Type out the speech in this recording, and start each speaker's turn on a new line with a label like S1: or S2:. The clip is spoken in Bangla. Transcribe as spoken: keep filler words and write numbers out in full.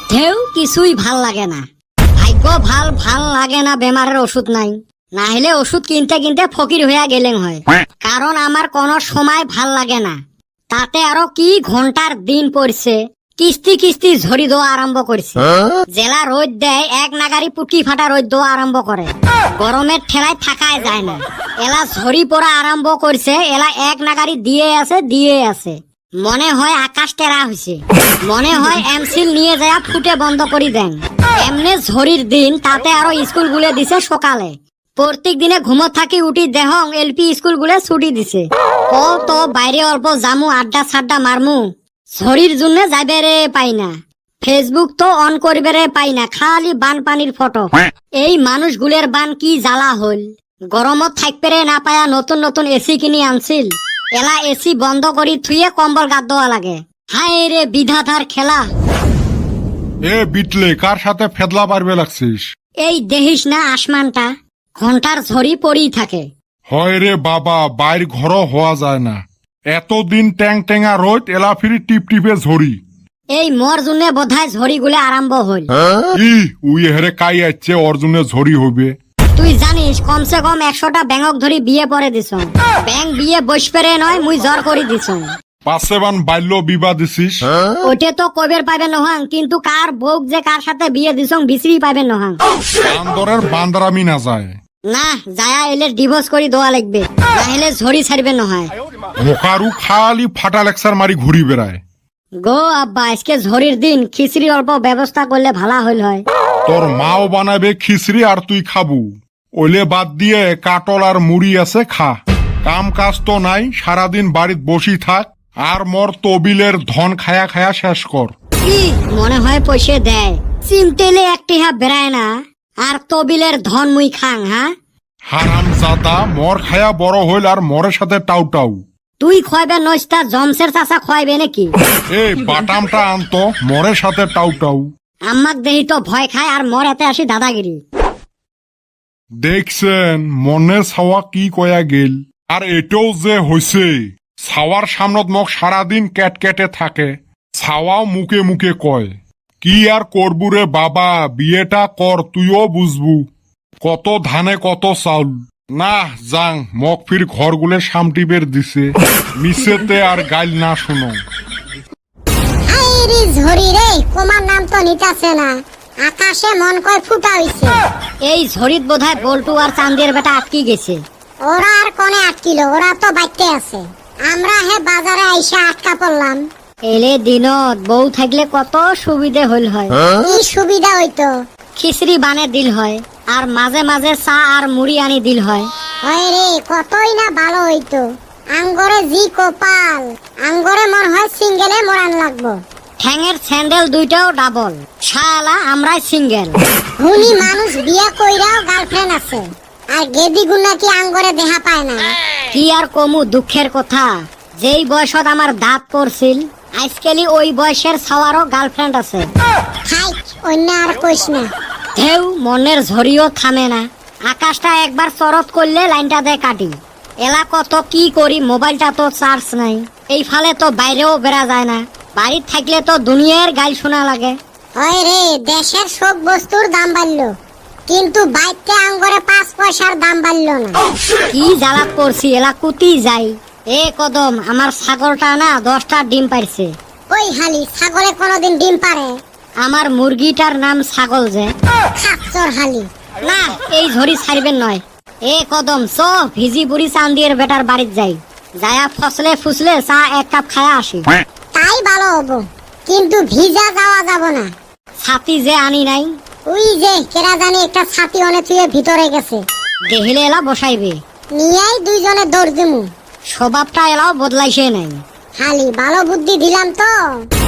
S1: ঢেউ কিছুই ভাল লাগে না। ভাগ্য ভাল ভাল লাগে না, বেমারের ওষুধ নাই, না হলে ওষুধ কিনতে কিনতে ফকির হইয়া গেলেন হয়। কারণ আমার কোনো সময় ভাল লাগে না। তাতে আরো কি ঘন্টার দিন পড়ছে, কিস্তি কিস্তি ঝরি দেওয়া আরম্ভ করছে। জেলা রোদ দেয় এক নাগারি পুটকি ফাটা রোদ দেওয়া আরম্ভ করে। গরমের ঠেলায় থাকায় যায় না। এলা ঝরি পড়া আরম্ভ করছে। এলা এক নাগারি দিয়ে আছে দিয়ে আছে। মনে হয় আকাশ টেরা হয়েছে। মনে হয় এমসিল নিয়ে যায় ফুটে বন্ধ করি দেন। এমনি ঝড়ির দিন, তাতে আরো স্কুল গুলে দিছে সকালে। প্রত্যেক দিনে ঘুমত থাকি উঠি দেহং এলপি স্কুল গুলে ছুটি দিছে। ও তো বাইরে অল্প জামু আড্ডা সাড্ডা মারমু, ঝড়ির জন্য যাবে রে পাই না। ফেসবুক তো অন করবে রে পাই না, খালি বান পানির ফটো। এই মানুষগুলের বান কি জ্বালা হল। গরমত থাকবে রে না পায়া নতুন নতুন এসি কিনি আনছিল। এলা এসি বন্ধ করি থুয়ে কম্বল গাদ দেওয়া লাগে। হায় রে বিধাতার খেলা।
S2: এ বিটলে কার সাথে ফেদলা পারবে লাগছিস?
S1: এই দেখিস না আসমানটা, ঘন্টার ঝড়ি পড়েই থাকে।
S2: হয় রে বাবা, বাইর ঘর হওয়া যায় না। এতদিন ট্যাং ট্যাঙা রোদ, এলা ফিরি টিপ টিপে ঝড়ি।
S1: এই মর জন্য বোধহয় ঝড়ি গুলে আরম্ভ হল।
S2: ই উই হেরে কাই আসছে, অর্জুনে ঝড়ি হবে।
S1: তুই জানিস কমসে কম একশোটা ব্যাঙক ধরি বিয়ে পরে দিছ। ব্যাং বিয়ে বস পেরে নয়, মুই জ্বর করি দিছ।
S2: পাশে বান বাল্য বিবাহ দিছিস।
S1: ওইটা তো কবের পাবে নহাং, কিন্তু কার বউক যে কার সাথে বিয়ে দিছ বিচরি পাবে নহাং।
S2: বান্দরের বান্দারামি না যায়
S1: না, যায়া এলে ডিভোর্স করি দেওয়া লাগবে, না হলে ঝড়ি ছাড়বে নয়।
S2: মোকারু খালি ফাটা লেকচার মারি ঘুরি বেড়ায়।
S1: গো আব্বা, আজকে ঝড়ির দিন খিচড়ি অল্প ব্যবস্থা করলে ভালো হইল হয়।
S2: তোর মাও বানাবে খিচড়ি আর তুই খাবু। ওইলে বাদ দিয়ে কাটল আর মুড়ি আছে খা। কাম কাজ তো নাই, সারাদিন বাড়িত বসি থাক আর মোর তবিলের ধন খায়া খায়া শেষ কর।
S1: কি মনে হয় পয়সা দেয়? চিমটেলে একটি হা বেড়ায় না, আর তবিলের ধন মুই খাং। হ্যাঁ
S2: হারাম জাদা, মর খায়া বড় হইল আর মরের সাথে টাউ টাউ।
S1: তুই খোয়াবে নইস্তা জমসের চাচা খোয়াবে নাকি?
S2: এ বাটামটা আনতো, মরের সাথে টাউ টাউ।
S1: আম্মাক দেহি তো ভয় খায় আর মর এতে আসি দাদাগিরি।
S2: দেখছেন মনের ছাওয়া কি কয়া গেল। আর এটাও যে হইছে, ছাওয়ার সামনত মোক সারাদিন ক্যাট ক্যাটে থাকে, ছাওয়াও মুখে মুখে কয়। কি আর করবু রে বাবা, বিয়েটা কর, তুইও বুঝবু। কত ধানে কত চাউল। না যাং, মক ফির ঘরগুলো সামটি বের দিছে, মিছেতে আর গাইল না শুনো।
S3: ঝড়ি রে, তোমার নাম তো নিতাছে না, আকাশে মন কয় ফুটা হইছে।
S1: এই ঝড়িত বোধহয় বল্টু আর চান্দের বেটা আটকি গেছে।
S3: ওরা আর কোনে আটকিল, ওরা তো বাইতে আছে। আমরা হে বাজারে আইসা আটকা পড়লাম।
S1: এলে দিনত বউ থাকলে কত সুবিধে হইল হয়।
S3: কি সুবিধা হইতো?
S1: খিচড়ি বানে দিল হয়, আর মাঝে মাঝে চা আর মুড়ি আনি দিল হয়।
S3: হয় রে, কতই না ভালো হইতো। আঙ্গরে জি কপাল, আঙ্গরে মন হয় সিঙ্গেলে মরান লাগবো।
S1: ঠ্যাঙের স্যান্ডেল দুইটাও ডাবল, শালা আমরাই সিঙ্গেল।
S3: হুনি মানুষ বিয়া কইরাও গার্লফ্রেন্ড আছে, আর গেদি গুনা কি আঙ্গরে দেখা পায় না।
S1: কি আর কমু দুঃখের কথা, যেই বয়সত আমার দাঁত পড়ছিল, আজকালি ওই বয়সের ছাওয়ারও গার্লফ্রেন্ড আছে।
S3: খাই অন্য আর কইস না।
S1: ঢেউ মনের ঝড়িও থামে না। আকাশটা একবার চরত করলে লাইনটা দেয় কাটি। এলা কত কি করি, মোবাইলটা তো চার্জ নাই। এই ফালে তো বাইরেও বেড়া যায় না। বাড়ির থাকলে তো দুনিয়ার গাইল শোনা লাগে।
S3: হয় রে, দেশের সব বস্তুর দাম বাড়লো, কিন্তু বাইতে আঙ্গরে পাঁচ পয়সার দাম বাড়লো না।
S1: কি জ্বালাত পড়ছি, এলা কুতি যাই। এ কদম, আমার ছাগলটা না দশটা ডিম পাইছে।
S3: ওই হালি, ছাগলে কোনোদিন ডিম পারে?
S1: আমার মুরগিটার নাম ছাগল যে।
S3: খাচ্চর হালি।
S1: না, এই ঝড়ি ছাড়বেন নয়। এ কদম চ, ভিজি বুড়ি চান্দির বেটার বাড়িত যাই, যায়া ফসলে ফুসলে চা এক কাপ খায়া আসি।
S3: তাই ভালো হবো, কিন্তু ভিজা যাওয়া যাব না।
S1: ছাতি যে আনি নাই।
S3: ওই যে কেরা জানি একটা ছাতি অনে থুয়ে ভিতরে গেছে,
S1: দেহিলে এলা বসাইবে।
S3: নিয়েই দুইজনে দৌড় দিমু।
S1: স্বভাবটা এলাও বদলাইছে নাই।
S3: হালি, ভালো বুদ্ধি দিলাম তো।